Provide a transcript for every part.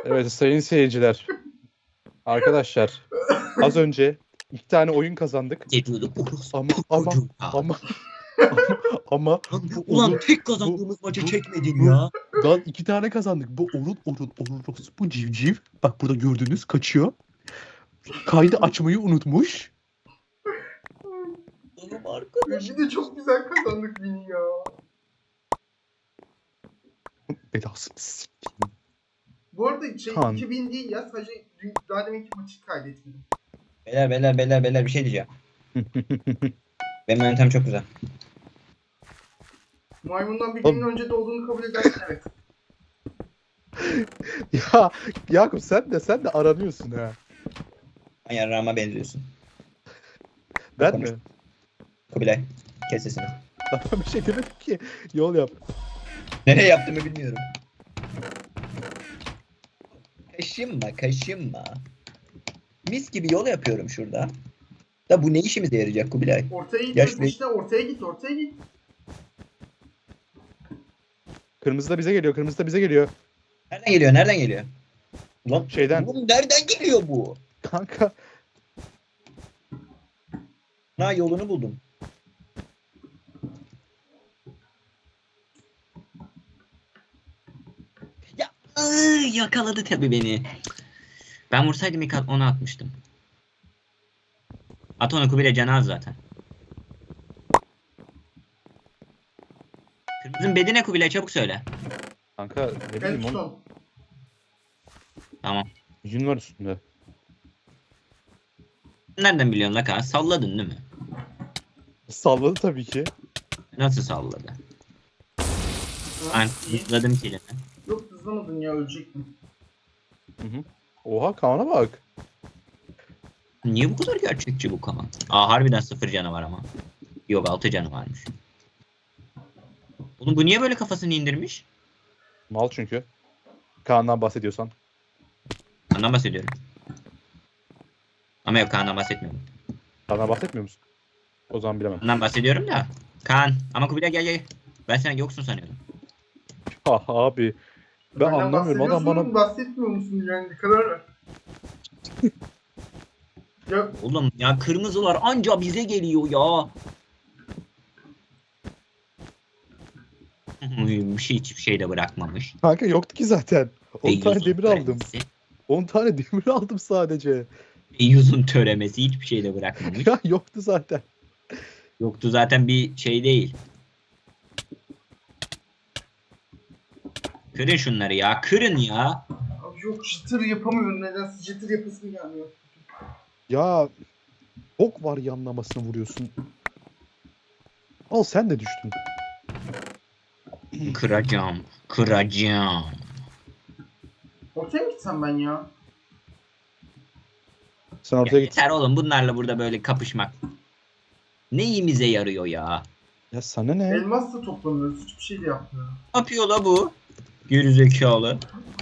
Evet sayın seyirciler. Arkadaşlar az önce 2 tane oyun kazandık. Geliyordu orospu Ama çocuğu. ama ama Lan bu ulan tek bu kazandığımız maçı bu çekmedin bu ya. lan 2 tane kazandık. Bu bu civciv. Bak burada gördüğünüz kaçıyor. Kaydı açmayı unutmuş. Oğlum arkadaş. Bir de çok güzel kazandık Vini ya. Belasını sikeyim. Bu arada Kaan. 2000 değil ya, sadece daha deminki maçı kaydetmedim. Beyler bir şey diyeceğim. Benim yöntem çok güzel. Maymundan bir Oğlum. günün önce doğduğunu kabul edersin, evet. Ya Yakup sen de aranıyorsun ha. Sen yarrağıma benziyorsun. Ben Konuş. mi? Kubilay. Kes sesini. Ben bir şey demedim ki. Yol yap. Nereye yaptığımı bilmiyorum. Kaşınma. Mis gibi yol yapıyorum şurada. Da bu ne işimize yarayacak Kubilay? Ortaya gidiyorsun Yaşlı- işte, ortaya git. Kırmızı da bize geliyor. Kırmızı da bize geliyor. Nereden geliyor? Ulan Şeyden. oğlum nereden geliyor bu? Kanka. Ha yolunu buldum. Ya yakaladı tabii beni. Ben vursaydım ilk onu atmıştım. At onu Kubilay canı az zaten. Kırmızının bedi ne Kubilay çabuk söyle. Kanka ne bileyim oğlum. Elton. Tamam. Yün var üstünde. Nereden biliyorsun la Kaan? Salladın değil mi? Salladı tabii ki. Nasıl salladı? Ben İyi. hızladım kelime. Yok, hızlamadın ya, ölecektin. Oha Kaan'a bak. Niye bu kadar gerçekçi bu Kaan? Aa harbiden 0 canı var ama. Yok 6 canı varmış. Oğlum bu niye böyle kafasını indirmiş? Mal çünkü. Kaan'dan bahsediyorsan. Ondan bahsediyorum. Ama yok Kaan'dan bahsetmiyorum. Kaan'dan bahsetmiyor musun? O zaman bilemem. Ondan bahsediyorum da. Kaan ama Kubilay gel. Ben sen yoksun sanıyordum. Ah abi. Ben Benden anlamıyorum. Adam bahsediyorsun, bana... bahsetmiyor musun yani, bir karar ver. Ya Oğlum ya kırmızılar anca bize geliyor ya. Hiçbir şey de bırakmamış. Kanka yoktu ki zaten. 10 tane Deyyuz'un demir aldım. töremesi. 10 tane demir aldım sadece. Deyyuz'un töremesi hiçbir şey de bırakmamış. Ya yoktu zaten. Yoktu zaten bir şey değil. Kırın şunları ya. Kırın ya. abi yok, jitter yapamıyorum, nedense jitter yapasım gelmiyor. Ya ok var yanlamasına vuruyorsun. Al sen de düştün. Kıracağım. Ortaya mı gitsem ben ya? Sen Ya ortaya git. yeter oğlum bunlarla burada böyle kapışmak. Neyimize yarıyor ya? Ya sana ne? Elmas da toplamıyoruz, hiçbir şey de yapmıyorum. Ne yapıyor la bu? Gerizekalı.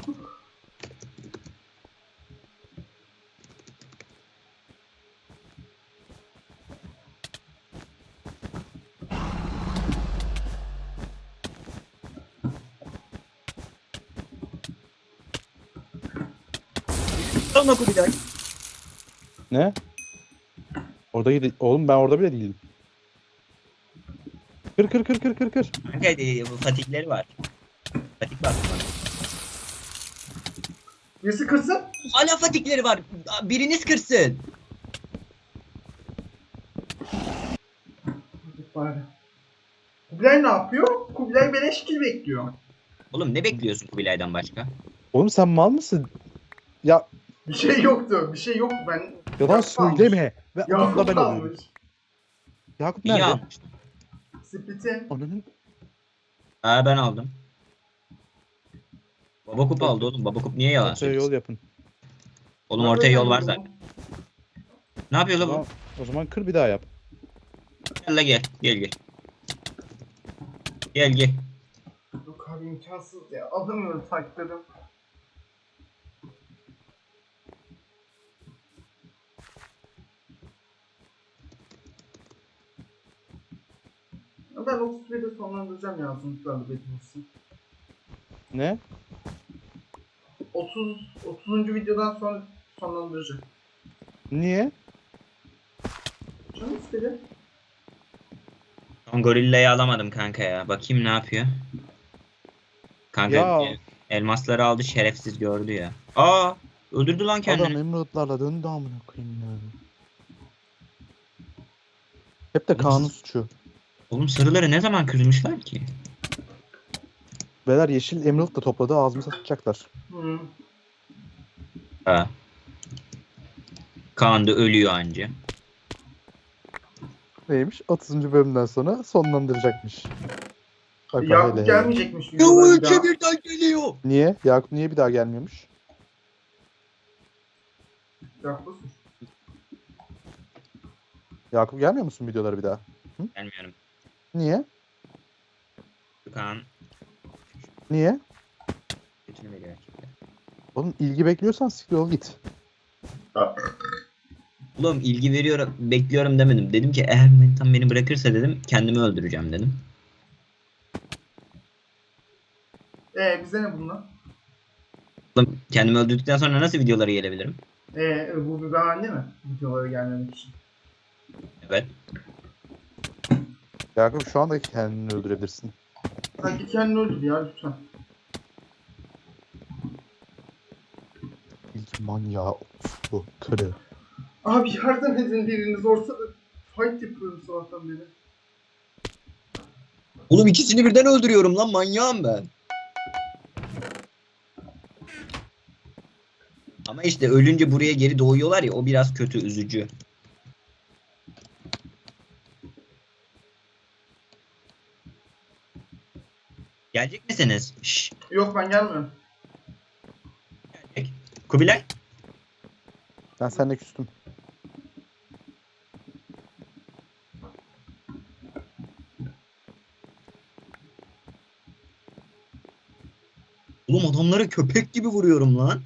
Sana Kubilay. Ne? Oğlum ben orada bile değilim. Kır. Hadi bu fatikleri var. Fatik var. Birisi kırsın. Hala fatikleri var. Biriniz kırsın. Bari. Kubilay ne yapıyor? Kubilay beleş kill bekliyor. Oğlum ne bekliyorsun Kubilay'dan başka? Oğlum sen mal mısın? Ya Bir şey yoktu. Bir şey yok. Ben yalan söyleme. Ve onunla Yakup ben alıyorum. almış. Yakup İyi nerede? almıştım. Split'i. Ananın. Ben aldım. Babakup aldı oğlum. Babakup niye yalan Ortaya söylüyorsun? yol yapın. Oğlum ortaya yol var zaten. Ne yapıyor O la bu? zaman, o zaman kır bir daha yap. Gel la gel. Gel. Yok abi, imkansız ya. Alamıyorum takipledim. Ben 31'de sonlandıracağım ya, sonuçlarla bekliyorsun. Ne? 30. videodan sonra sonlandıracağım. Niye? Canım istedi. Son gorillayı alamadım kanka ya. Bakayım ne yapıyor. Kanka Ya. elmasları aldı, şerefsiz gördü ya. Aa, öldürdü lan kendini. Adam emeraldlarla döndü amına koyayım ya. Hep de Kaan'ın suçu. Oğlum sarıları ne zaman kırmışlar ki? Beyler yeşil emerald da topladı, ağzımıza sıçacaklar. Hı. Ha. Kaan da ölüyor anca. Neymiş? 30. bölümden sonra sonlandıracakmış. Bak, bak, hele Yakup hele. gelmeyecekmiş videoda bir daha. birden geliyor. Niye? Yakup niye bir daha gelmiyormuş? Yakup. Yakup gelmiyor musun videolara bir daha? Gelmiyorum. Niye? Kaan Niye? götünü veriyor erkekler. Oğlum ilgi bekliyorsan siktir ol git. Oğlum ilgi veriyorum, bekliyorum demedim. Dedim ki eğer Manitam beni bırakırsa dedim kendimi öldüreceğim dedim. Bize ne bunlar? Oğlum kendimi öldürdükten sonra nasıl videolara gelebilirim? Bu bir bahane mi? Videolara gelmemek için. Evet. Yakup şu anda kendini öldürebilirsin. Sen git kendini öldür ya lütfen. İlk manyağı bu kırı. Abi yardım edin biriniz ortada. Fight yapıyorum sabahtan beri. Oğlum ikisini birden öldürüyorum lan, manyağım ben. Ama işte ölünce buraya geri doğuyorlar ya, o biraz kötü, üzücü. Gelecek misiniz? Şşş. Yok ben gelmiyorum. Gelecek. Kubilay. Ben seninle küstüm. Oğlum adamları köpek gibi vuruyorum lan.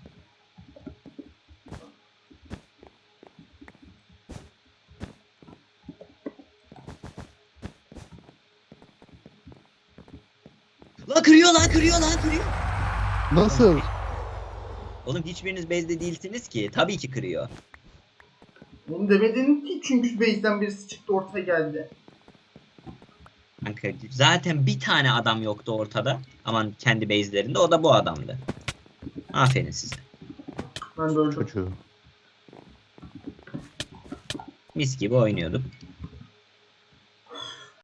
Lan kırıyor lan, kırıyor lan, kırıyor. Nasıl? Oğlum hiçbiriniz base'de değilsiniz ki. Tabii ki kırıyor. Onu demedin ki çünkü base'den birisi çıktı ortaya geldi. Kanka zaten bir tane adam yoktu ortada. Aman kendi base'lerinde, o da bu adamdı. Aferin size. Ben de öldüm. Çocuğu. Mis gibi oynuyorduk.